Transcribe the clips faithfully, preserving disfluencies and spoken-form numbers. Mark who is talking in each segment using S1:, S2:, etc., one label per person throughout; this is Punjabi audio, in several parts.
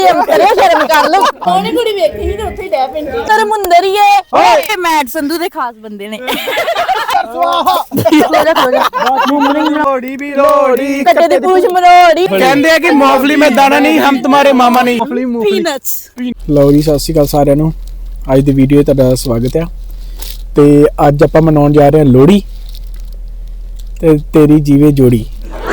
S1: ਕਰੇ ਸ਼ਰਮ ਕਰ ਲਓ।
S2: ਉਹਨੇ ਕੁੜੀ ਵੇਖੀ ਨਹੀਂ ਤੇ ਉੱਥੇ ਹੀ ਡੈ ਪੈਂਦੀ।
S1: ਤੇਰੇ ਮੁੰਦਰ ਹੀ ਏ ਓਏ ਮੈਟ ਸੰਧੂ ਦੇ ਖਾਸ ਬੰਦੇ ਨੇ।
S3: लोड़ी भी लोड़ी
S1: ਕੱਟੇ ਦੀ ਪੂਛ ਮਰੋੜੀ
S3: कहते हैं कि मूंगफली में दाना नहीं हम तुम्हारे मामा नहीं
S1: ਪੀਨਟਸ।
S3: ਲਓ ਜੀ, ਸਤਿ ਸ਼੍ਰੀ ਅਕਾਲ ਸਾਰਿਆਂ ਨੂੰ। ਅੱਜ ਦੀ ਵੀਡੀਓ 'ਚ ਤੁਹਾਡਾ ਸਵਾਗਤ ਹੈ। ਤੇ ਅੱਜ ਆਪਾਂ ਮਨਾਉਣ ਜਾ ਰਹੇ ਹਾਂ ਲੋਹੜੀ ਤੇ ਤੇਰੀ ਜੀਵੇ ਜੋੜੀ।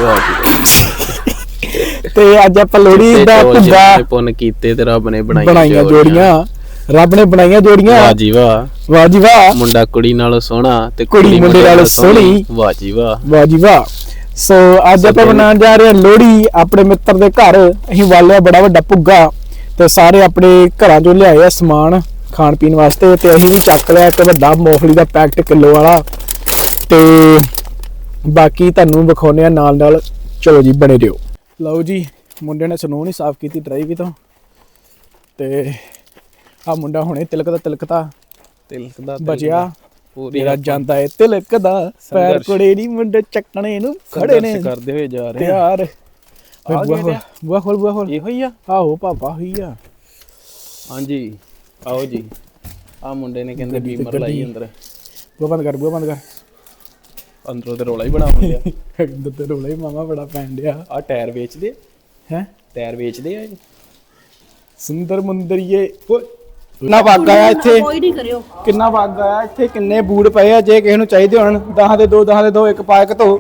S3: ਤੇ ਅੱਜ ਆਪਾਂ ਲੋਹੜੀ ਦਾ ਭੁੱਗਾ
S4: ਪੁੰਨ ਕੀਤੇ ਤੇ ਰੱਬ ਨੇ
S3: ਬਣਾਈਆਂ ਜੋੜੀਆਂ। ਰੱਬ ਨੇ ਬਣਾਈਆਂ ਜੋੜੀਆਂ।
S4: ਵਾਹ ਜੀ ਵਾਹ,
S3: ਵਾਹ ਜੀ ਵਾਹ।
S4: ਮੁੰਡਾ ਕੁੜੀ ਨਾਲੋਂ ਸੋਹਣਾ ਤੇ
S3: ਕੁੜੀ ਮੁੰਡੇ ਨਾਲੋਂ ਸੋਹਣੀ।
S4: ਵਾਹ ਜੀ ਵਾਹ,
S3: ਵਾਹ ਜੀ ਵਾਹ। ਸੋ ਅੱਜ ਆਪਾਂ ਮਨਾਉਣ ਜਾ ਰਹੇ ਹਾਂ ਲੋਹੜੀ ਆਪਣੇ ਮਿੱਤਰ ਦੇ ਘਰ। ਅਸੀਂ ਵਾਲਿਆ ਬੜਾ ਵੱਡਾ ਭੁੱਗਾ ਤੇ ਸਾਰੇ ਆਪਣੇ ਘਰਾਂ ਚੋਂ ਲਿਆਏ ਆ ਸਮਾਨ ਖਾਣ ਪੀਣ ਵਾਸਤੇ। ਤੇ ਅਸੀਂ ਵੀ ਚੱਕ ਲਿਆ ਇੱਕ ਵੱਡਾ ਮੂੰਗਫਲੀ ਦਾ ਪੈਕਟ ਕਿਲੋ ਵਾਲਾ। ਤੇ ਬਾਕੀ ਤੁਹਾਨੂੰ ਵਿਖਾਉਣੇ ਆ ਨਾਲ ਨਾਲ। ਚਲੋ ਜੀ, ਬਣੇ ਰਹੋ। ਲਓ ਜੀ, ਮੁੰਡੇ ਨੇ ਸਨੋ ਨਹੀਂ ਸਾਫ਼ ਕੀਤੀ ਡਰਾਈਵ ਤੋਂ। ਤੇ ਆ ਮੁੰਡਾ ਹੁਣੇ ਤਿਲਕ ਦਾ ਤਿਲਕਦਾ
S4: ਤਿਲਕ ਦਾ
S3: ਬਚਿਆ ਮੇਰਾ ਜਾਂਦਾ ਏ ਤਿਲਕ ਦਾ। ਪੈਰ ਕੁੜੇ ਨਹੀਂ ਮੁੰਡੇ ਚੱਕਣੇ ਨੂੰ ਖੜੇ ਨੇ
S4: ਕਰਦੇ ਹੋਏ ਜਾ ਰਹੇ
S3: ਯਾਰ। ਬੁਆ ਖੋਲ ਬੁਆ ਖੋਲ।
S4: ਇਹੋ ਹੀ ਆ।
S3: ਆਹੋ ਪਾਪਾ ਹੋਈ ਆ।
S4: ਹਾਂਜੀ ਆਓ ਜੀ। ਆ ਮੁੰਡੇ ਨੇ ਕਹਿੰਦੇ ਬੀਮਰ ਲਾਈ ਅੰਦਰ।
S3: ਬੁਆ ਬੰਦ ਕਰ, ਬੁਆ ਬੰਦ ਕਰ।
S4: ਅੰਦਰੋਂ ਤੇ ਰੋਲਾ ਹੀ ਬਣਾ ਹੁੰਦਿਆ।
S3: ਅੰਦਰ ਤੇ ਰੋਲਾ ਹੀ ਮਾਮਾ ਬੜਾ ਪੈਣ ਡਿਆ
S4: ਆ ਟਾਇਰ ਵੇਚਦੇ
S3: ਹੈ।
S4: ਟਾਇਰ ਵੇਚਦੇ ਆ
S3: ਸੁੰਦਰ ਮੁੰਦਰੀਏ। ਕਿੰਨਾ ਵਗ ਆਇਆ ਇੱਥੇ,
S1: ਕੋਈ ਨਹੀਂ ਕਰਿਓ।
S3: ਕਿੰਨਾ ਵਗ ਆਇਆ ਇੱਥੇ। ਕਿੰਨੇ ਬੂਟ ਪਏ ਆ, ਜੇ ਕਿਸੇ ਨੂੰ ਚਾਹੀਦੇ ਹੋਣ ਦਹਾਂ ਦੇ ਦੋ, ਦਹਾਂ ਦੇ ਦੋ, ਇੱਕ ਪਾ ਇੱਕ ਧੋ।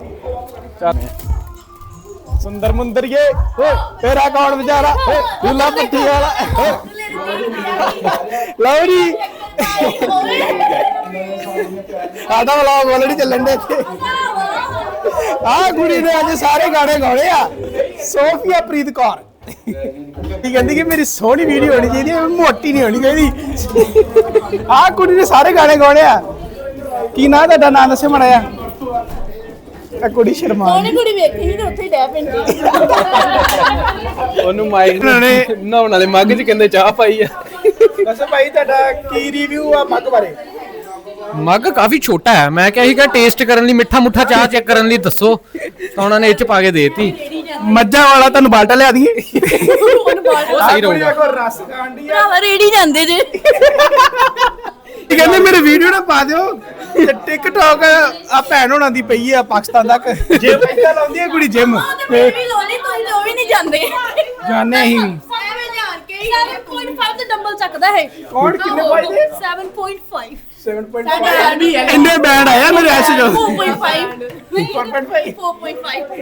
S3: ਸੁੰਦਰ ਮੁੰਦਰੀਏ ਓਏ ਤੇਰਾ ਕੌਣ ਵਿਚਾਰਾ ਦੁੱਲਾ ਪੱਟੀ ਵਾਲਾ। ਲਓ ਜੀ, ਆਦਾ ਵਲੌਗ ਆਲਰੇਡੀ ਚੱਲਣ ਦੇ ਇੱਥੇ। ਆਹ ਕੁੜੀ ਨੇ ਅੱਜ ਸਾਰੇ ਗਾਣੇ ਗਾਉਣੇ ਆ। ਸੋਫੀਆ ਪ੍ਰੀਤ ਕੌਰ ਕੀ ਕਹਿੰਦੀ ਕਿ ਮੇਰੀ ਸੋਹਣੀ ਵੀਡੀਓ ਹੋਣੀ ਚਾਹੀਦੀ ਹੈ, ਮੋਟੀ ਨਹੀਂ ਹੋਣੀ ਚਾਹੀਦੀ। ਆਹ ਕੁੜੀ ਨੇ ਸਾਰੇ ਗਾਣੇ ਗਾਉਣੇ ਆ। ਕੀ ਨਾਂ ਤੁਹਾਡਾ? ਨਾਂ ਦੱਸੇ ਮਾੜਾ ਜਿਹਾ। ਆ ਕੁੜੀ ਸ਼ਰਮਾ।
S2: ਉਹਨੇ ਕੁੜੀ ਵੇਖੀ ਨਹੀਂ ਤੇ ਉੱਥੇ ਹੀ ਡੈ ਪੈਂਦੀ।
S4: ਉਹਨੂੰ ਮਾਈਕ ਨਹਾਉਣ ਵਾਲੇ ਮੱਗ 'ਚ ਕਹਿੰਦੇ ਚਾਹ ਪਾਈ ਆ।
S3: ਦੱਸੋ ਭਾਈ ਤੁਹਾਡਾ ਕੀ ਰਿਵਿਊ ਆ ਮੱਗ ਬਾਰੇ?
S5: ਮੱਗ ਕਾਫੀ ਛੋਟਾ ਹੈ। ਮੈਂ ਕਿਹਾ ਸੀਗਾ ਟੇਸਟ ਕਰਨ ਲਈ, ਮਿੱਠਾ ਮੁੱਠਾ ਚਾਹ ਚੈੱਕ ਕਰਨ ਲਈ ਦੱਸੋ, ਤਾਂ ਉਹਨਾਂ ਨੇ ਇਹ ਚ ਪਾ ਕੇ ਦੇਤੀ।
S3: ਮੱਝਾਂ ਵਾਲਾ ਤੁਹਾਨੂੰ ਬਾਲਟਾ ਲਿਆ ਦਈਏ।
S5: ਉਹ ਸਹੀ ਰਹੂਗਾ।
S3: ਰਸ ਖਾਂਡੀ ਆ।
S1: ਭਰਾਵਾ ਰੇੜੀ ਜਾਂਦੇ ਜੇ।
S3: ਕਹਿੰਦੇ ਮੇਰੇ ਵੀਡੀਓ ਨਾ ਪਾ ਦਿਓ। ਤੇ ਟਿਕਟੌਕ ਆ ਭੈਣ ਹੋਣਾ ਦੀ ਪਈ ਆ ਪਾਕਿਸਤਾਨ ਤੱਕ। ਜਿਮ ਇੱਦਾਂ ਲਾਉਂਦੀ ਹੈ ਕੁੜੀ ਜਿਮ।
S1: ਮੈਂ ਵੀ ਲੋਲੀ ਤੁਸੀਂ ਉਹ ਵੀ ਨਹੀਂ ਜਾਂਦੇ।
S3: ਜਾਣੇ ਹੀ
S2: ਐਵੇਂ ਜਾਣ ਕੇ ਹੀ
S1: ਸੱਤ ਪੁਆਇੰਟ ਪੰਜ ਤੇ ਡੰਬਲ ਚੱਕਦਾ ਹੈ।
S3: ਕੌਣ ਕਿੰਨੇ ਪਾਈ ਦੇ?
S1: ਸੱਤ ਪੁਆਇੰਟ ਪੰਜ
S3: ਸੱਤ ਪੁਆਇੰਟ ਪੰਜ ਇੰਨੇ ਬੈਂਡ ਆਇਆ ਮੇਰੇ ਐਸੇ ਜੋ।
S1: ਚਾਰ ਪੁਆਇੰਟ ਪੰਜ
S3: ਚਾਰ ਪੁਆਇੰਟ ਪੰਜ
S1: ਚਾਰ ਪੁਆਇੰਟ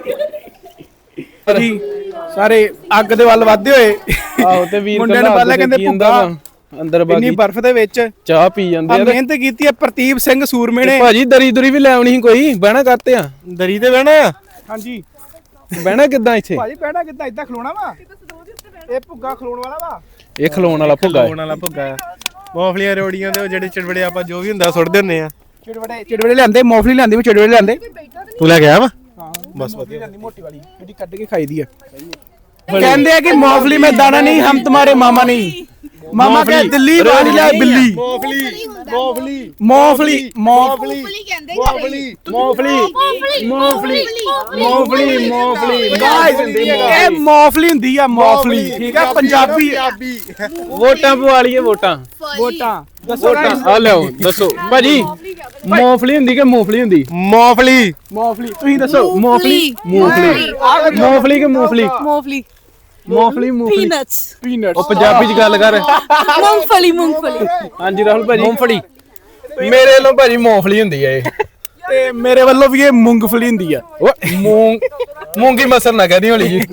S1: ਪੰਜ
S3: ਜੀ ਸਾਰੇ ਅੱਗ ਦੇ ਵੱਲ ਵੱਧਦੇ ਹੋਏ।
S4: ਆਹੋ ਤੇ ਵੀਰ
S3: ਮੁੰਡੇ ਨੇ ਪਹਿਲਾਂ ਕਹਿੰਦੇ ਭੁੱਗਾ
S4: ਅੰਦਰ
S3: ਇੰਨੀ
S4: ਬਾਕੀ
S3: ਬਰਫ਼ ਦੇ ਵਿੱਚ
S4: ਚਾਹ ਪੀ ਜਾਂਦੇ
S3: ਆ।
S4: ਆ।
S3: ਮਿਹਨਤ ਕੀਤੀ ਹੈ ਪ੍ਰਤੀਪ ਸਿੰਘ ਸੂਰਮੇ ਨੇ।
S4: ਭਾਜੀ ਦਰੀ ਦੁਰੀ ਵੀ ਲੈ ਆਉਣੀ ਸੀ ਕੋਈ। ਬਹਿਣਾ ਕਰਤੇ ਆ ਦਰੀ ਤੇ ਬਹਿਣਾ ਆ।
S3: ਹਾਂਜੀ
S4: ਬਹਿਣਾ ਕਿੱਦਾਂ ਇੱਥੇ?
S3: ਭਾਜੀ ਬੈਠਾ ਕਿੱਦਾਂ ਇਦਾਂ ਖਲੋਣਾ ਵਾ? ਇਹ ਭੁੱਗਾ ਖਲੋਣ ਵਾਲਾ ਵਾ।
S4: ਇਹ ਖਲੋਣ ਵਾਲਾ ਭੁੱਗਾ ਹੈ।
S6: ਵਾਲਾ ਭੁੱਗਾ ਆ। ਮੂੰਗਫਲੀਆਂ ਰੋੜੀਆਂ ਦੇ ਜਿਹੜੇ ਚਿੜਵੜੇ ਆਪਾਂ ਜੋ ਵੀ ਹੁੰਦਾ ਸੁੱਟਦੇ ਹੁੰਦੇ ਆ।
S3: ਚਿੜਵੜੇ ਚਿੜਵੜੇ ਲਿਆਂਦੇ, ਮੂੰਗਫਲੀ ਲਿਆਂਦੀ ਵੀ ਚਿੜਵੜੇ ਲਿਆਂਦੇ।
S6: ਤੂੰ ਲੈ ਕੇ ਆਇਆ ਵਾ?
S3: ਹਾਂ ਬਸ ਵਧੀਆ ਲਿਆਂਦੀ ਮੋਟੀ ਵਾਲੀ ਜਿਹੜੀ ਕੱਢ ਕੇ ਖਾਈਦੀ ਆ। ਕਹਿੰਦੇ ਆ ਕਿ ਮੂੰਗਫਲੀ में दाना नहीं हम तुम्हारे मामा नहीं। मामा क्या दिल्ली वाली ला बिल्ली।
S6: ਮੂੰਗਫਲੀ ਮੂੰਗਫਲੀ
S3: मूंगफली मूंगफली
S6: ਮੂੰਗਫਲੀ
S3: मूंगफली मूंगफली मूंगफली मूंगफली गाइस ਇਹ मूंगफली ਹੁੰਦੀ ਆ। मूंगफली ਠੀਕ ਆ ਪੰਜਾਬੀ।
S4: ਵੋਟਾਂ ਪਵਾ ਲਈਏ ਵੋਟਾਂ।
S3: ਵੋਟਾਂ ਦੱਸੋ
S4: ਵੋਟਾਂ ਆ ਲਿਆਓ ਦੱਸੋ ਭਾਜੀ। ਮੂੰਗਫਲੀ ਹੁੰਦੀ ਕਿ ਮੂੰਗਫਲੀ ਹੁੰਦੀ?
S6: ਮੂੰਗਫਲੀ
S3: मूंगफली ਤੁਸੀਂ ਦੱਸੋ।
S4: ਮੂੰਗਫਲੀ ਮੂੰਗਫਲੀ ਮੂੰਗਫਲੀ ਕਿ ਮੂੰਗਫਲੀ?
S1: ਮੂੰਗਫਲੀ
S4: ਮੂੰਗਫਲੀ ਮੂੰਗਫਲੀ
S1: ਪੀਨਟਸ
S3: ਪੀਨਟਸ।
S4: ਉਹ ਪੰਜਾਬੀ ਚ ਗੱਲ ਕਰ।
S1: ਮੂੰਗਫਲੀ ਮੂੰਗਫਲੀ
S4: ਹਾਂਜੀ ਰਾਹੁਲ ਭਾਜੀ।
S5: ਮੂੰਗਫਲੀ
S4: ਮੇਰੇ ਵੱਲੋਂ ਭਾਜੀ ਮੂੰਗਫਲੀ ਹੁੰਦੀ ਆ ਇਹ।
S3: ਤੇ ਮੇਰੇ ਵੱਲੋਂ ਵੀ ਇਹ ਮੂੰਗਫਲੀ ਹੁੰਦੀ ਆ।
S4: ਓਏ ਮੂੰਗ ਮੂੰਗੀ ਮਸਰ ਨਾ ਕਹਦੀ ਹੋਲੀ ਜੀ।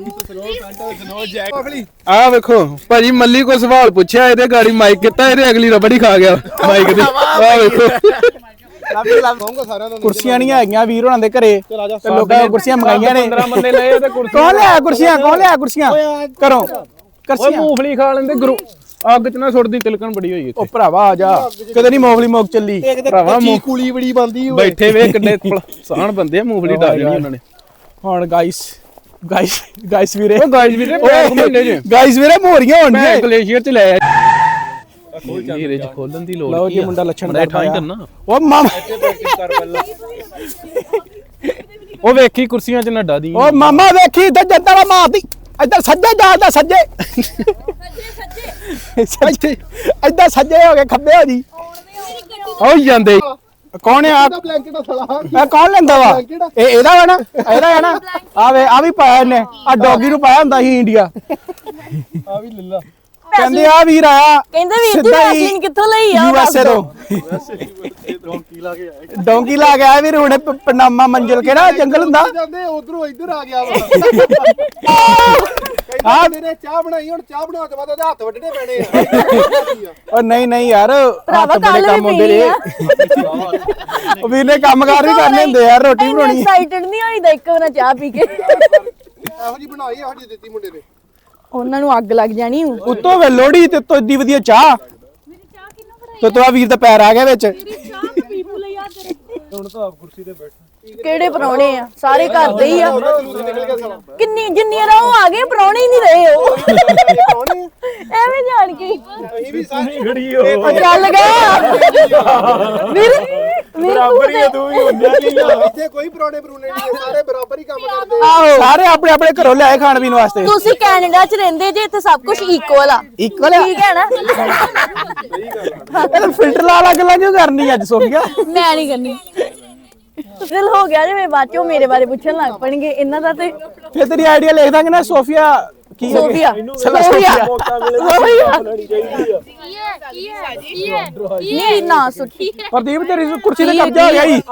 S4: ਆ ਵੇਖੋ ਭਾਜੀ, ਮੱਲੀ ਕੋ ਸਵਾਲ ਪੁੱਛਿਆ, ਇਹਦੇ ਗਾੜੀ ਮਾਈਕ ਕੀਤਾ, ਇਹਦੇ ਅਗਲੀ ਰਬੜੀ ਖਾ ਗਿਆ ਮਾਈਕ ਦੀ। ਆ ਵੇਖੋ
S3: ਕੁਰਸੀਆਂ ਨਹੀਂ ਹੈਗੀਆਂ ਵੀਰ ਹੋਣਾ ਦੇ ਘਰੇ ਤੇ ਲੋਕਾਂ ਨੇ ਕੁਰਸੀਆਂ ਮੰਗਾਈਆਂ ਨੇ।
S4: ਪੰਦਰਾਂ ਬੰਦੇ ਲਏ ਤੇ ਕੁਰਸੀ।
S3: ਕੌਣ ਲਿਆ ਕੁਰਸੀਆਂ? ਕੌਣ ਲਿਆ ਕੁਰਸੀਆਂ? ਕਰੋ
S4: ਓਏ
S3: ਕੁਰਸੀਆਂ।
S4: ਮੂੰਗਫਲੀ ਖਾ ਲੈਂਦੇ ਗੁਰੂ। ਅੱਗ ਚ ਨਾ ਸੁੱਟਦੀ, ਤਿਲਕਣ ਬੜੀ ਹੋਈ ਇੱਥੇ।
S3: ਉਹ ਭਰਾਵਾ ਆ ਜਾ, ਕਦੇ ਨਹੀਂ ਮੂੰਗਫਲੀ ਮੁੱਕ ਚੱਲੀ।
S4: ਭਰਾਵਾ
S6: ਕੁਲੀ ਬੜੀ ਬੰਦੀ ਹੋਏ।
S4: ਬੈਠੇ ਵੇ ਕਿੰਨੇ ਸਾਨ ਬੰਦੇ ਆ, ਮੂੰਗਫਲੀ ਢਾ ਦੇਣੀ ਉਹਨਾਂ ਨੇ।
S3: ਹੁਣ ਗਾਇਸ ਗਾਇਸ ਗਾਇਸ ਵੀਰੇ,
S4: ਉਹ ਗਾਇਸ ਵੀਰੇ ਮਹੀਨੇ ਚ
S3: ਗਾਇਸ ਵੀਰੇ ਮੋਰੀਆਂ
S4: ਮੈਂ
S3: ਹੋਣਗੀਆਂ।
S4: ਗਲੇਸ਼ੀਅਰ ਚ ਲੈ ਆ। ਹੀਰੇ ਚ ਖੋਲਣ ਦੀ ਲੋੜ
S3: ਲਓ
S4: ਕੀ
S3: ਜੀ,
S4: ਆ?
S3: ਮੁੰਡਾ ਲੱਛਣ
S4: ਬੜਾ
S3: ਕਰਦਾ
S4: ਠਾਈ
S3: ਆ।
S4: ਕਰਨਾ।
S3: ਉਹ ਮਾਮਾ
S4: ਉਹ ਵੇਖੀ ਕੁਰਸੀਆਂ ਚ ਨੱਡਾ ਦੀ।
S3: ਉਹ ਮਾਮਾ ਵੇਖੀ ਤੇ ਜੰਦੜਾ ਮਾਰਦੀ। ਇੱਧਰ ਸੱਜੇ ਜਾਂਦਾ ਸੱਜੇ ਸੱਜੇ ਇੱਧਰ ਸੱਜੇ ਹੋ ਗਏ ਖੱਬੇ ਹੋ ਜੀ
S4: ਹੋ ਜਾਂਦੇ
S3: ਕੌਣ ਆ
S6: ਬਲੈਂਕਟ ਸਲਾ
S3: ਇਹ ਕੌਣ ਲੈਂਦਾ ਵਾ ਇਹ ਇਹਦਾ ਵਾ ਨਾ ਇਹਦਾ ਹੈ ਨਾ ਆ ਵੇ ਆ ਵੀ ਪਾਇਆ ਇਹਨੇ ਆ ਡੌਗੀ ਨੂੰ ਪਾਇਆ ਹੁੰਦਾ ਸੀ ਇੰਡੀਆ
S6: ਆ ਵੀ ਲੱਲਾ
S3: ਕਹਿੰਦੇ ਆ ਵੀਰ ਆਇਆ
S1: ਕਹਿੰਦੇ ਵੀਰ ਜੀ
S3: ਸਿੱਧਾ ਹੀ
S1: ਵੈਸਲੀਨ ਕਿੱਥੋਂ ਲਈ ਆ
S3: ਯੂ ਐਸ ਏ ਤੋਂ
S6: ਡੌਂਕੀ ਲਾ ਕੇ ਆਏ
S3: ਡੌਂਕੀ ਲਾ ਕੇ ਆਇਆ ਵੀਰ ਹੁਣੇ ਪ- ਪਨਾਮਾ ਮੰਜ਼ਿਲ ਕਿਹੜਾ ਜੰਗਲ ਹੁੰਦਾ
S6: ਜਾਂਦੇ ਉਧਰੋਂ ਇੱਧਰ ਆ ਗਿਆ ਵਾ ਹਾਂ ਮੇਰੇ ਚਾਹ ਬਣਾਈ ਹੁਣ ਚਾਹ ਬਣਾਉਣ ਤੋਂ ਬਾਅਦ ਉਹਦੇ ਹੱਥ ਵੱਢਣੇ ਪੈਣੇ ਆ
S3: ਉਹ ਨਹੀਂ ਨਹੀਂ ਯਾਰ
S1: ਭਰਾਵਾ
S3: ਹੱਥ ਬੜੇ
S1: ਕੱਲ
S3: ਕੰਮ
S1: ਵੀ
S3: ਹੁੰਦੇ
S1: ਪੀਣੀ
S3: ਨੇ
S1: ਆ
S3: ਉਹ ਵੀਰ ਨੇ ਕੰਮਕਾਰ ਵੀ ਕਰਨੇ ਹੁੰਦੇ ਯਾਰ ਰੋਟੀ ਵੀ ਬਣਾਉਣੀ
S1: ਐਕਸਾਈਟਡ ਨਹੀਂ ਹੋਈਦਾ ਇੱਕ ਵਾਰ ਚਾਹ ਪੀ ਕੇ
S6: ਇਹੋ ਜੀ ਬਣਾਈ ਇਹੋ ਜੀ ਦਿੱਤੀ ਮੁੰਡੇ ਨੇ
S1: ਉਹਨਾਂ ਨੂੰ ਅੱਗ ਲੱਗ ਜਾਣੀ
S3: ਉੱਤੋਂ ਵੇ ਲੋੜੀ ਤੇ ਤੋਂ ਏਡੀ ਵਧੀਆ ਚਾਹ ਤੇ ਤੋ ਆ ਵੀਰ ਦਾ ਪੈਰ ਆ ਗਿਆ ਵਿੱਚ
S6: ਹੁਣ ਤਾਂ ਆਪ ਕੁਰਸੀ ਤੇ ਬੈਠ
S1: ਕਿਹੜੇ ਪਰੌਣੇ ਆ ਸਾਰੇ ਘਰ ਦੇ ਹੀ ਆ
S6: ਨਿਕਲ ਗਿਆ ਸਾਲਾ
S1: ਕਿੰਨੀ ਜਿੰਨੀਆਂ ਰਾਹ ਆ ਗਏ ਪਰੌਣੇ ਹੀ ਨਹੀਂ ਰਹੇ ਉਹ
S6: ਕੌਣ ਹੈ
S1: ਐਵੇਂ ਜਾਣ ਕੇ
S6: ਅਸੀਂ ਵੀ ਸਾਰੀ ਖੜੀ
S1: ਉਹ ਚੱਲ ਗਿਆ ਵੀਰ ਵੀਰ ਤੂੰ
S3: ਤੂੰ ਵੀ ਹੁੰਦਿਆ
S6: ਇੱਥੇ ਕੋਈ ਪਰੌਣੇ ਪਰੂਣੇ ਨਹੀਂ ਸਾਰੇ ਬਰਾਬਰ ਹੀ ਕੰਮ ਕਰਦੇ
S3: ਸਾਰੇ ਆਪਣੇ ਆਪਣੇ ਘਰੋਂ ਲਿਆਏ ਖਾਣ ਪੀਣ ਵਾਸਤੇ
S1: ਤੁਸੀਂ ਕੈਨੇਡਾ 'ਚ ਰਹਿੰਦੇ ਜੇ ਇੱਥੇ ਸਭ ਕੁਝ ਇਕੁਅਲ ਆ
S3: ਇਕੁਅਲ ਆ
S1: ਠੀਕ ਹੈ ਨਾ
S3: ਇਹ ਫਿਲਟਰ ਲਾ ਲਾ ਗੱਲਾਂ ਕਿਉਂ ਕਰਨੀ ਅੱਜ ਸੋਫੀਆ
S1: ਮੈਂ ਨਹੀਂ ਕਰਨੀ ਦਿਲ ਹੋ ਗਿਆ ਜੇ ਮੈਂ ਬਾਅਦ ਚੋਂ ਮੇਰੇ ਬਾਰੇ ਪੁੱਛਣ ਲੱਗ ਪਣਗੇ ਇਹਨਾਂ ਦਾ ਤੇ
S3: ਫਿਰ ਤੇਰੀ ਆਈਡੀਆ ਲਿਖ ਦਾਂਗੇ ਨਾ ਸੋਫੀਆ ਕੀ ਹੈ?
S1: ਸੋਫੀਆ
S3: ਚਲੋ
S1: ਸੋਫੀਆ
S3: ਸੋਫੀਆ
S1: ਨਹੀਂ ਨਾ ਸੁੱਟੀ
S3: ਪ੍ਰਦੀਪ ਤੇਰੀ ਕੁਰਸੀ ਤੇ ਕਬਜ਼ਾ ਹੋ ਗਿਆ ਈ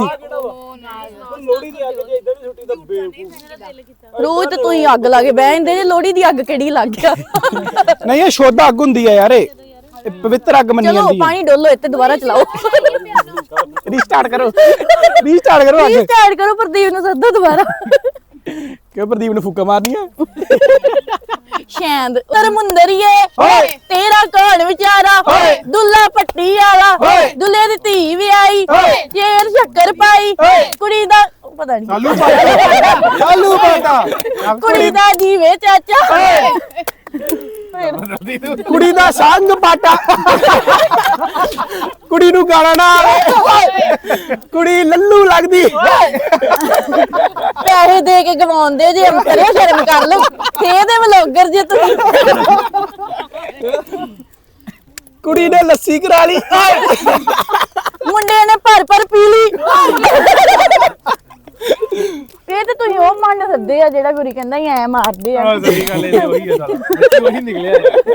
S1: ਰੋਜ਼ ਤੇ ਤੂੰ ਹੀ ਅੱਗ ਲਾ ਕੇ ਬਹਿ ਜਾਂਦੇ ਜੇ ਲੋਹੜੀ ਦੀ ਅੱਗ ਕਿਹੜੀ ਲੱਗ ਗਿਆ
S3: ਨਹੀਂ ਇਹ ਸ਼ੁੱਧ ਅੱਗ ਹੁੰਦੀ ਆ ਯਾਰ ਇਹ ਇਹ ਪਵਿੱਤਰ ਅੱਗ ਮੰਨੀ
S1: ਚਲੋ
S3: ਜਾਂਦੀ ਹੈ
S1: ਪਾਣੀ ਡੋਲੋ ਇੱਥੇ ਦੁਬਾਰਾ ਚਲਾਓ
S3: ਰੀਸਟਾਰਟ ਕਰੋ ਰੀਸਟਾਰਟ ਕਰੋ ਅੱਗ
S1: ਸਟਾਰਟ ਕਰੋ ਪ੍ਰਦੀਪ ਨੂੰ ਸੱਦੋ ਦੁਬਾਰਾ
S3: ਕਿਉਂ ਪ੍ਰਦੀਪ ਨੂੰ ਫੁੱਕਾ ਮਾਰਨੀਆਂ
S1: ਸ਼ੈਂਦ ਤਰਮੁੰਦਰੀਏ
S3: ਓਏ।
S1: ਤੇਰਾ ਕੌਣ ਵਿਚਾਰਾ
S3: ਓਏ।
S1: ਦੁੱਲਾ ਪੱਟੀ ਵਾਲਾ
S3: ਓਏ।
S1: ਦੁੱਲੇ ਦੀ ਧੀ ਵੀ ਆਈ
S3: ਓਏ।
S1: ਸ਼ੇਰ ਸ਼ੱਕਰ ਪਾਈ
S3: ਓਏ।
S1: ਕੁੜੀ ਦਾ ਪਤਾ ਨਹੀਂ
S3: ਚਾਲੂ ਪਾਤਾ ਚਾਲੂ ਪਾਤਾ
S1: ਕੁੜੀ ਦਾ ਜੀਵੇ ਚਾਚਾ
S3: ਕੁੜੀ ਦਾ ਸੰਗ ਪਾਟਾ ਕੁੜੀ ਨੂੰ ਗਾਣਾ ਨਾ ਆਵੇ ਕੁੜੀ ਲੱਲੂ ਲੱਗਦੀ
S1: ਪੈਸੇ ਦੇ ਕੇ ਗਵਾਉਂਦੇ ਜੇ ਅੰਤਰੇ ਸ਼ਰਮ ਕਰ ਲਓ ਖੇਦੇ ਵਲੋਗਰ ਜੇ ਤੁਸੀਂ
S3: ਕੁੜੀ ਨੇ ਲੱਸੀ ਕਰਾ ਲਈ
S1: ਮੁੰਡੇ ਨੇ ਭਰ ਭਰ ਪੀ ਲਈ ਇਹ ਤੇ ਤੁਸੀਂ ਉਹ ਮੰਨ ਸੱਦੇ ਆ ਜਿਹੜਾ ਗੁਰੀ ਕਹਿੰਦਾ ਹੀ ਐ ਮਾਰਦੇ ਆ
S6: ਸਹੀ ਗੱਲ ਇਹ ਉਹੀ ਹੈ ਸਾਲਾ ਉਹੀ ਨਿਕਲਿਆ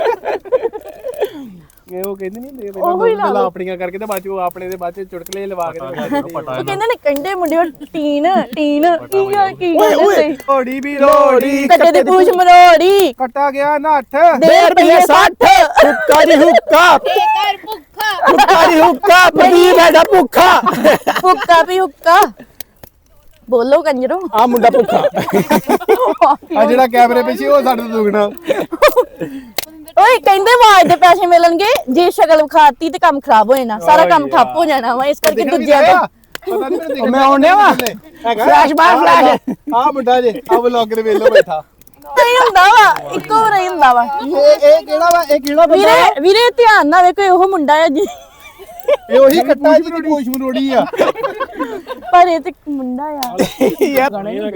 S6: ਇਹ ਉਹ ਕਹਿੰਦੇ ਨਹੀਂ
S1: ਉਹੀ ਲਾ
S6: ਪਹਿਲਾਂ
S1: ਲਓ।
S6: ਆਪਣੀਆਂ ਕਰਕੇ ਤੇ ਬਾਅਦ ਚ ਉਹ ਆਪਣੇ ਦੇ ਬਾਅਦ ਚ ਚੁਟਕਲੇ ਲਵਾ ਕੇ ਤੇ
S1: ਉਹ ਕਹਿੰਦੇ ਨੇ ਕੰਡੇ ਮੁੰਡੇ ਉਹ ਟੀਨ ਟੀਨ ਕੀ ਗੱਲ ਕੀ
S3: ਓਏ
S1: ਕਹਿੰਦੇ
S3: ਓਏ
S1: ਸੀ
S6: ਓੜੀ ਵੀ ਲੋੜੀ
S1: ਕੱਟੇ ਦੀ ਪੂਛ ਮਰੋੜੀ
S6: ਕੱਟਾ ਗਿਆ ਨੱਠ
S1: ਦੇ ਰੁਪਏ ਸੱਠ
S3: ਹੁੱਕਾ ਦੀ ਹੁੱਕਾ
S2: ਘਰ ਭੁੱਖਾ
S3: ਹੁੱਕਾ ਦੀ ਹੁੱਕਾ ਪ੍ਰਦੀਪ ਹੈਗਾ ਭੁੱਖਾ
S1: ਹੁੱਕਾ ਵੀ ਹੁੱਕਾ ਬੋਲੋ ਕੰਜਰੋ
S3: ਆ ਮੁੰਡਾ ਭੁੱਖਾ
S6: ਆ ਜਿਹੜਾ ਕੈਮਰੇ ਪਿੱਛੇ ਉਹ ਸਾਡੇ ਤੋਂ ਦੁਗਣਾ
S1: ਓਏ ਕਹਿੰਦੇ ਆਵਾਜ਼ ਦੇ ਪੈਸੇ ਮਿਲਣਗੇ ਜੇ ਸ਼ਕਲ ਵਿਖਾਤੀ ਤੇ ਕੰਮ ਖਰਾਬ ਹੋ ਜਾਣਾ ਸਾਰਾ ਕੰਮ ਠੱਪ ਹੋ ਜਾਣਾ ਵਾ ਇਸ ਕਰਕੇ ਦੂਜਿਆਂ ਦਾ
S6: ਪਤਾ ਨਹੀਂ ਮੈਨੂੰ
S3: ਮੈਂ ਆਉਣੇ ਵਾ ਫਲੈਸ਼ ਬਾਰ ਫਲੈਸ਼
S6: ਆ ਮੁੰਡਾ ਜੇ ਆ ਵਲੌਗ ਦੇ ਵੇਲੋ ਬੈਠਾ
S1: ਨਹੀਂ ਹੁੰਦਾ ਵਾ ਇੱਕੋ ਵਾਰ ਹੀ ਹੁੰਦਾ ਵਾ
S6: ਇਹ ਇਹ ਕਿਹੜਾ ਵਾ ਇਹ ਕਿਹੜਾ ਬੰਦਾ
S1: ਵੀਰੇ ਵੀਰੇ ਧਿਆਨ ਨਾਲ ਵੇਖੋ ਇਹੋ ਮੁੰਡਾ ਹੈ ਜੀ
S6: ਇਹ ਉਹੀ ਕੱਟਾ ਜਿਹਦੀ ਪੂਛ ਮਰੋੜੀ ਆ
S1: ਪਰ ਇਹ ਤੇ ਮੁੰਡਾ ਆ
S3: ਯਾਰ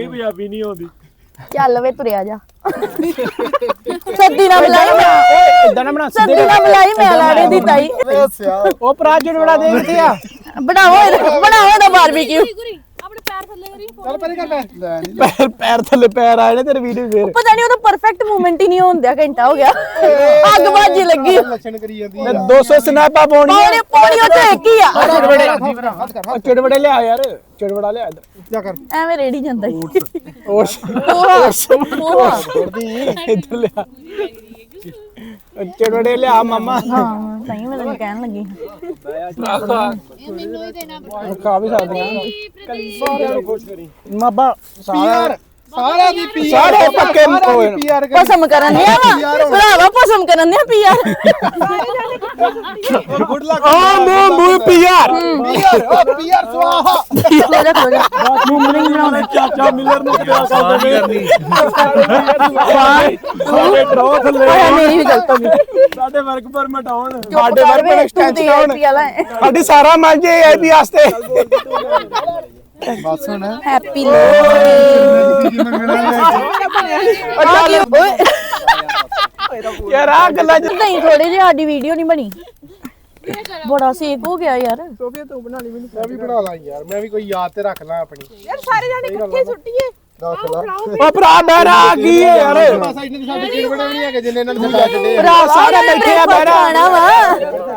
S1: ਚੱਲ ਵੇ ਤੁਰਿਆ ਜਾ ਸੱਦੀ ਨਾ ਬੁਲਾਈ ਮੈਂ
S3: ਇਦਾਂ ਨਾ ਬਣਾ
S1: ਸੱਦੀ ਨਾ ਬੁਲਾਈ ਮੈਂ ਲਾੜੇ ਦੀ ਤਾਈ
S3: ਉਹ ਪ੍ਰਾਜੂ ਨੂੰ ਬੜਾ ਦੇ ਕਿੱਥੇ ਆ
S1: ਬਣਾਓ ਇਹਦਾ- ਬਣਾਓ ਇਹਦਾ ਬਾਰਬੀਕਿਊ
S6: ਚੱਲ ਪਰੇ ਕਰ ਲੈ ਲੈ ਨੀ।
S3: ਪੈਰ ਪੈਰ ਥੱਲੇ ਪੈਰ ਆਏ ਨੇ ਤੇਰੇ ਵੀਡੀਓ ਫੇਰ
S1: ਪਤਾ ਨਹੀਂ ਉਹਦਾ ਪਰਫੈਕਟ ਮੂਵਮੈਂਟ ਹੀ ਨਹੀਂ ਹੁੰਦਿਆ ਘੰਟਾ ਹੋ ਗਿਆ ਅੱਗ ਬਾਜੀ ਲੱਗੀ
S6: ਲੱਛਣ ਕਰੀ ਜਾਂਦੀ ਆ
S3: ਦੋ ਸੌ ਸਨੈਪਾਂ ਪਾਉਣੀਆਂ
S1: ਪੌੜੀ ਪੌੜੀ ਉੱਤੇ ਇੱਕ ਹੀ ਆ
S3: ਚਿੜਵੜੇ
S6: ਹੱਥ ਕਰ
S3: ਉਹ ਚਿੜਵੜੇ ਲਿਆ ਯਾਰ ਚਿੜਵੜਾ ਲਿਆ ਇੱਧਰ
S6: ਜਾ ਕਰ
S1: ਐਵੇਂ ਰੇੜੀ ਜਾਂਦਾ ਹੀ
S3: ਹੋਰ
S1: ਪੋਹਾ ਪੋਹਾ
S3: ਇੱਧਰ ਲਿਆ ਉਹ ਚਿੜਵੜੇ ਲਿਆ ਮਾਮਾ
S1: ਹਾਂ ਸਹੀ ਮੈਂ ਤੈਨੂੰ ਕਹਿਣ ਲੱਗੀ
S2: ਮੈਨੂੰ ਹੀ ਦੇਣਾ
S3: ਖਾ ਵੀ ਸਕਦੇ ਆ ਸਾਰਿਆਂ ਨੂੰ ਖੁਸ਼ ਕਰੀ ਮਾਬਾ ਸਾਰਾ
S6: ਸਾਰਾ ਦੀ ਪੀ
S3: ਸਾਰੇ ਪੱਕੇ ਹੋਏ ਨੇ।
S6: ਪੀਆਰ
S1: ਪਸਮ ਕਰਨ ਦਿਆ ਵਾ ਭਰਾਵਾ ਪਸਮ ਕਰਨ ਦਿਆ ਪੀਆਰ
S6: ਗੁੱਡ ਲੱਕ
S3: ਆ ਮੂੰਹ ਮੂੰਹ ਪੀਆਰ
S6: ਪੀਆਰ ਓ ਪੀਆਰ ਸਵਾਹਾ
S1: ਲੈ ਜਾ ਖਲੋ ਜਾ
S3: ਮੁੰਮਣੀ ਬਣਾਉਣੇ ਚਾਚਾ ਮਿਲਰ ਨੂੰ ਕਿਹਾ ਕਰਦੇ ਸਾਡੇ ਡਰੋ ਥੱਲੇ
S1: ਓਏ ਮੇਰੀ ਵੀ ਗਲਤ ਹੋ ਗਈ
S3: ਸਾਡੇ ਵਰਕ ਪਰਮਿਟ ਆਉਣ
S1: ਚੁੱਪ
S3: ਸਾਡੇ
S1: ਕਰ
S3: ਵਰਕ
S1: ਵੇ,
S3: ਪਰ
S1: ਤੂੰ ਤੇ
S3: ਐਕਸਟੈਂਸ਼ਨ ਆਉਣ
S1: ਆਈ ਪੀ ਵਾਲਾ ਹੈ।
S3: ਸਾਡੀ ਸਾਰਾ ਮੰਨ ਜੇ ਆਈਪੀ ਵਾਸਤੇ
S6: ਬਸ ਹੁਣ
S1: ਹੈਪੀ ਲੋਹੜੀ
S3: ਯਾਰ ਆ ਗੱਲਾਂ ਚ
S1: ਨਹੀਂ ਥੋੜੇ ਜਿਹੀ ਸਾਡੀ ਵੀਡੀਓ ਨਹੀਂ ਬਣੀ ਬੜਾ ਸੇਕ ਹੋ ਗਿਆ ਯਾਰ
S6: ਮੈਂ ਵੀ ਬਣਾ ਲਾਂ ਯਾਰ ਮੈਂ ਵੀ ਕੋਈ ਯਾਦ ਤੇ ਰੱਖ ਲਾਂ ਆਪਣੀ
S2: ਯਾਰ ਸਾਰੇ ਜਾਣੇ ਇਕੱਠੇ ਸੁੱਟੀਏ
S6: ਰੱਖ ਲਾਂ
S3: ਓ ਭਰਾ ਬਹਿਰਾ ਆ ਗਈ ਹੈ ਯਾਰ
S6: ਬਸ ਇਹਨਾਂ ਦੀ ਸਾਡੀ ਚੀਜ਼ ਬਣਾਉਣੀ ਹੈ ਕਿ ਜਿੰਨੇ ਇਹਨਾਂ ਨੂੰ ਛੱਡ ਛੱਡੇ
S3: ਭਰਾ ਸਾਰੇ ਬੈਠੇ ਆ ਬਹਿਰਾ
S1: ਖਾਣਾ ਵਾ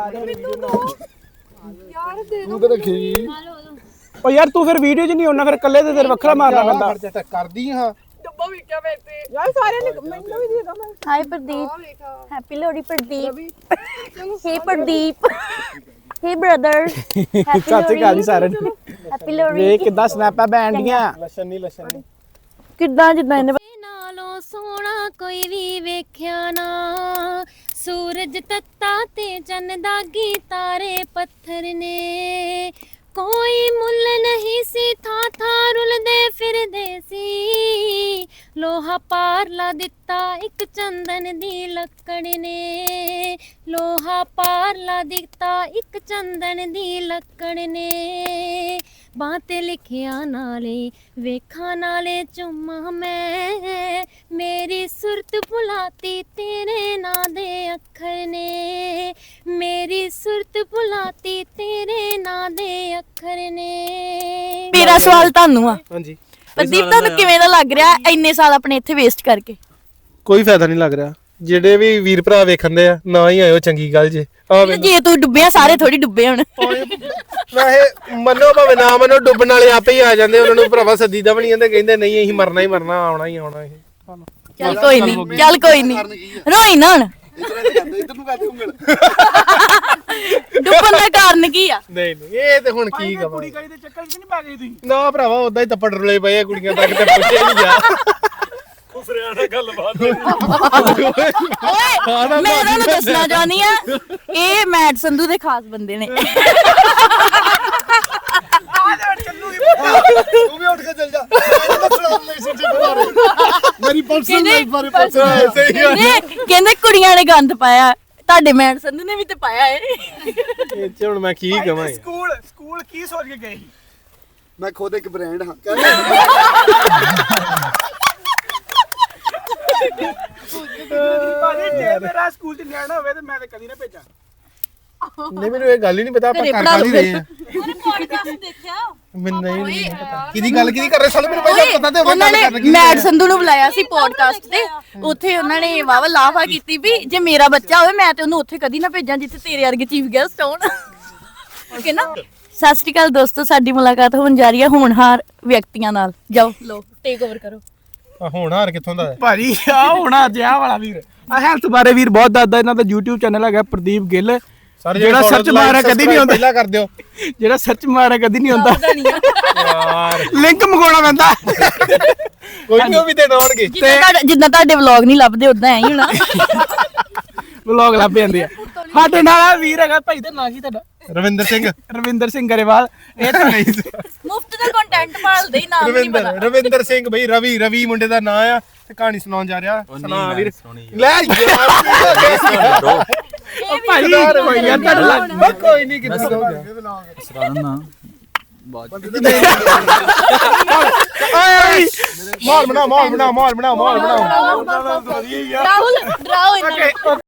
S6: ਤੂੰ ਤਾਂ ਰੱਖੀ
S3: ਓ ਯਾਰ ਤੂੰ ਫਿਰ ਵੀਡੀਓ 'ਚ ਨਹੀਂ ਆਉਣਾ ਫਿਰ ਇਕੱਲੇ ਤੇ ਤੇਰੇ ਵੱਖਰਾ ਮਾਰਨਾ ਪੈਂਦਾ
S6: ਖਰਚਾ ਤਾਂ ਕਰਦੀ ਹਾਂ
S2: ਯਾਰ ਸਾਰਿਆਂ ਨੇ ਮੈਨੂੰ ਵੀ ਦੇ ਦੋ ਮੈਂ
S1: hi Pradeep happy Lohri Pradeep hey Pradeep hey brother happy
S3: Sat Shri ਅਕਾਲ ਜੀ ਸਾਰਿਆਂ ਨੂੰ
S1: ਹੈਪੀ ਲੋਹੜੀ
S3: ਵੇਖ ਕਿੱਦਾਂ ਸਨੈਪਾਂ ਬੈਣ ਡੀਆਂ
S6: ਲੱਛਣ ਨਹੀਂ ਲੱਛਣ ਨਹੀਂ
S1: ਕਿੱਦਾਂ ਜਿੱਦਾਂ ਇਹਨੇ
S7: ਨਾਲੋਂ ਸੋਹਣਾ ਕੋਈ ਵੀ ਵੇਖਿਆ ਨਾ ਸੂਰਜ ਤੱਤਾ ਤੇ ਚੰਨ ਦਾਗੀ ਤਾਰੇ ਪੱਥਰ ਨੇ ਕੋਈ ਮੁੱਲ ਨਹੀਂ ਸੀ ਥਾਂ ਥਾਂ ਰੁਲਦੇ ਫਿਰਦੇ ਸੀ ਲੋਹਾ ਪਾਰ ਲਾ ਦਿੱਤਾ ਇੱਕ ਚੰਦਨ ਦੀ ਲੱਕੜ ਨੇ ਲੋਹਾ ਪਾਰ ਲਾ ਦਿੱਤਾ ਇੱਕ ਚੰਦਨ ਦੀ ਲੱਕੜ ਨੇ ਬਾਂਹ ਤੇ ਲਿਖਿਆ ਨਾਲੇ ਵੇਖਾਂ ਨਾਲੇ ਚੁੰਮਾ ਮੈਂ ਮੇਰੀ ਸੁਰਤ ਭੁਲਾਤੀ ਤੇਰੇ ਨਾਂ ਦੇ ਅੱਖਰ ਨੇ ਮੇਰੀ ਸੁਰਤ ਭੁਲਾਤੀ ਤੇਰੇ ਨਾਂ ਦੇ ਅੱਖਰ ਨੇ
S1: ਮੇਰਾ ਸਵਾਲ ਤੁਹਾਨੂੰ ਆ
S6: ਹਾਂਜੀ
S1: ਪ੍ਰਦੀਪ ਤੁਹਾਨੂੰ ਕਿਵੇਂ ਦਾ ਲੱਗ ਰਿਹਾ ਇੰਨੇ ਸਾਲ ਆਪਣੇ ਇੱਥੇ ਵੇਸਟ ਕਰਕੇ
S6: ਕੋਈ ਫਾਇਦਾ ਨਹੀਂ ਲੱਗ ਰਿਹਾ ਜਿਹੜੇ ਵੀ ਵੀਰ ਭਰਾ ਵੇਖਣਦੇ ਆ ਨਾ ਹੀ ਆਇਓ ਚੰਗੀ ਗੱਲ ਜੇ ਆ
S1: ਜੇ ਤੂੰ ਡੁੱਬਿਆ ਸਾਰੇ ਥੋੜੀ ਡੁੱਬੇ ਹੁਣ
S6: ਵੈਸੇ ਮੰਨੋ ਭਾਵੇਂ ਨਾ ਮੰਨੋ ਡੁੱਬਣ ਵਾਲੇ ਆਪੇ ਹੀ ਆ ਜਾਂਦੇ ਉਹਨਾਂ ਨੂੰ ਭਰਾਵਾ ਸਦੀਦਾ ਬਣੀ ਜਾਂਦੇ ਕਹਿੰਦੇ ਨਹੀਂ ਅਸੀਂ ਮਰਨਾ ਹੀ ਮਰਨਾ ਆਉਣਾ ਹੀ ਆਉਣਾ ਇਹ
S1: ਚੱਲ ਕੋਈ ਨਹੀਂ ਚੱਲ ਕੋਈ ਨਹੀਂ ਰੋਈ ਨਾ ਹੁਣ
S6: ਇਧਰ ਨੂੰ ਕਰਦੇ ਉਂਗਲ
S1: ਡੁੱਬਣ ਦਾ ਕਾਰਨ ਕੀ ਆ
S6: ਨਹੀਂ ਨਹੀਂ ਇਹ ਤੇ ਹੁਣ ਕੀ ਕਵਾਂ
S3: ਕੁੜੀ ਕਾਈ ਦੇ ਚੱਕਰ 'ਚ ਨਹੀਂ ਪਾ ਗਈ ਤੁਸੀਂ
S6: ਨਾ ਭਰਾਵਾ ਉਦਾਂ ਹੀ ਤੱਪੜ ਰੁਲੇ ਪਏ ਆ ਕੁੜੀਆਂ ਤੱਕ ਤੇ ਪੁੱਛਿਆ ਨਹੀਂ ਗਿਆ
S1: ਓਏ ਮੈਂ ਤੁਹਾਨੂੰ ਦੱਸਣਾ ਚਾਹਨੀ ਆ ਇਹ ਮੈਟ ਸੰਧੂ ਦੇ ਖਾਸ ਬੰਦੇ ਨੇ
S6: ਤੂੰ ਵੀ ਉੱਠ ਕੇ ਚੱਲ ਜਾ ਮੇਰੀ ਪਰਸਨਲ ਲਾਈਫ ਬਾਰੇ ਪੁੱਛ ਸਹੀ ਗੱਲ
S1: ਕਹਿੰਦੇ ਕਹਿੰਦੇ ਕੁੜੀਆਂ ਨੇ ਗੰਦ ਪਾਇਆ ਤੁਹਾਡੇ ਮੈਟ ਸੰਧੂ ਨੇ ਵੀ ਤੇ ਪਾਇਆ ਏ
S6: ਇਹ ਚ ਹੁਣ ਮੈਂ ਕੀ ਕਵਾਂ ਯਾਰ।
S3: ਸਕੂਲ ਸਕੂਲ ਕੀ ਸੋਚ ਕੇ ਗਏ
S8: ਮੈਂ ਖੁਦ ਇੱਕ ਬ੍ਰਾਂਡ ਹਾਂ
S3: ਭਾਜੀ ਜੇ ਮੇਰਾ ਸਕੂਲ 'ਚ ਨਿਆਣਾ ਹੋਵੇ ਤੇ ਮੈਂ ਤੇ ਕਦੀ ਨਾ ਭੇਜਾਂ
S6: ਨਹੀਂ ਮੈਨੂੰ ਇਹ ਗੱਲ ਹੀ ਨਹੀਂ ਪਤਾ ਆਪਾਂ
S1: ਘਰੇ
S6: ਕਰ
S1: ਪੜ੍ਹਾ
S6: ਕਰ ਹੀ
S1: ਲਓ
S6: ਰਹੇ ਆ
S2: ਉਹਨੇ ਪੋਡਕਾਸਟ ਦੇਖਿਆ
S6: ਮੈਨੂੰ ਨਹੀਂ ਨਹੀਂ ਪਤਾ ਕਿਹਦੀ ਗੱਲ ਕਿਹਦੀ ਕਰ ਰਹੇ ਸਾਲੇ ਮੈਨੂੰ ਪਹਿਲਾਂ ਪਤਾ ਤੇ ਹੋਵੇ
S1: ਉਹਨਾਂ
S6: ਗੱਲ
S1: ਨੇ
S6: ਕਰਨ ਕੀ
S1: ਮੈਟ ਸੰਧੂ ਨੂੰ ਬੁਲਾਇਆ ਸੀ ਪੋਡਕਾਸਟ ਤੇ ਉੱਥੇ ਉਹਨਾਂ ਨੇ ਵਾਵਾ ਲਾਫਾ ਕੀਤੀ ਵੀ ਜੇ ਮੇਰਾ ਬੱਚਾ ਹੋਵੇ ਮੈਂ ਤੇ ਉਹਨੂੰ ਉੱਥੇ ਕਦੀ ਨਾ ਭੇਜਾਂ ਜਿੱਥੇ ਤੇਰੇ ਵਰਗੇ ਚੀਫ ਗੈਸਟ ਹੋਣ ਓਕੇ ਨਾ ਸਤਿ ਸ਼੍ਰੀ ਅਕਾਲ ਦੋਸਤੋ ਸਾਡੀ ਮੁਲਾਕਾਤ ਹੋਣ ਜਾ ਰਹੀ ਹੈ ਹੋਣਹਾਰ ਵਿਅਕਤੀਆਂ ਨਾਲ ਜਾਓ ਲੋ ਟੇਕ ਓਵਰ ਕਰੋ
S6: ਆ ਹੁਣ ਹਾਰ ਕਿੱਥੋਂ ਦਾ ਹੈ
S3: ਭਾਜੀ ਆ ਹੋਣਾ ਜਿਆ ਵਾਲਾ ਵੀਰ ਆ ਹੈਲਥ ਬਾਰੇ ਵੀਰ ਬਹੁਤ ਦੱਸਦਾ ਇਹਨਾਂ ਦਾ YouTube ਚੈਨਲ ਹੈਗਾ ਪ੍ਰਦੀਪ ਗਿੱਲ
S6: ਸਰ
S3: ਜਿਹੜਾ ਸਰਚ ਮਾਰਿਆ ਕਦੀ ਨਹੀਂ ਹੁੰਦਾ
S6: ਪਹਿਲਾਂ ਕਰ ਦਿਓ
S3: ਜਿਹੜਾ ਸਰਚ ਮਾਰਿਆ ਕਦੀ ਨਹੀਂ ਹੁੰਦਾ
S6: ਯਾਰ
S3: ਲਿੰਕ ਮੰਗਾਉਣਾ ਪੈਂਦਾ
S6: ਕੋਈ ਨਹੀਂ ਉਹ ਵੀ ਦੇਣ ਆਉਣਗੇ
S1: ਜਿੱਦਾਂ ਤੁਹਾਡਾ- ਜਿੱਦਾਂ ਤੁਹਾਡੇ ਵਲੌਗ ਨਹੀਂ ਲੱਭਦੇ ਉਦਾਂ ਐ ਹੀ ਹੋਣਾ
S3: ਵਲੌਗ ਲੱਭ ਜਾਂਦੇ ਆ ਸਾਡੇ ਨਾਲ ਆ ਵੀਰ ਹੈਗਾ ਭਾਈ ਦਾ ਨਾਂ ਕੀ ਤੁਹਾਡਾ
S6: ਰਵਿੰਦਰ ਸਿੰਘ
S3: ਰਵਿੰਦਰ ਸਿੰਘ ਗਰੇਵਾਲ ਇਹ ਤਾਂ ਨਹੀਂ
S1: ਮੁਫਤ ਦਾ ਕੰਟੈਂਟ ਭਾਲਦੇ ਹੀ ਨਾਮ ਨਹੀਂ ਪਤਾ
S6: ਰਵਿੰਦਰ ਰਵਿੰਦਰ ਸਿੰਘ ਬਈ ਰਵੀ ਰਵੀ ਮੁੰਡੇ ਦਾ ਨਾਂ ਆ ਤੇ ਕਹਾਣੀ ਸੁਣਾਉਣ ਜਾ ਰਿਹਾ ਸੁਣਾ ਵੀਰ ਲੈ ਯਾਰ
S3: ਭਾਈ ਕੋਈ ਯਾਰ ਤੁਹਾਡਾ ਲੱਗ
S6: ਕੋਈ ਨਹੀਂ ਕਿੱਥੇ ਹੋ ਗਿਆ ਮਾਹੌਲ ਬਣਾ ਮਾਹੌਲ ਬਣਾ ਮਾਹੌਲ ਬਣਾ ਮਾਹੌਲ ਬਣਾ
S1: ਰਾਹੁਲ ਡਰਾਓ ਇਹਨਾਂ ਨੂੰ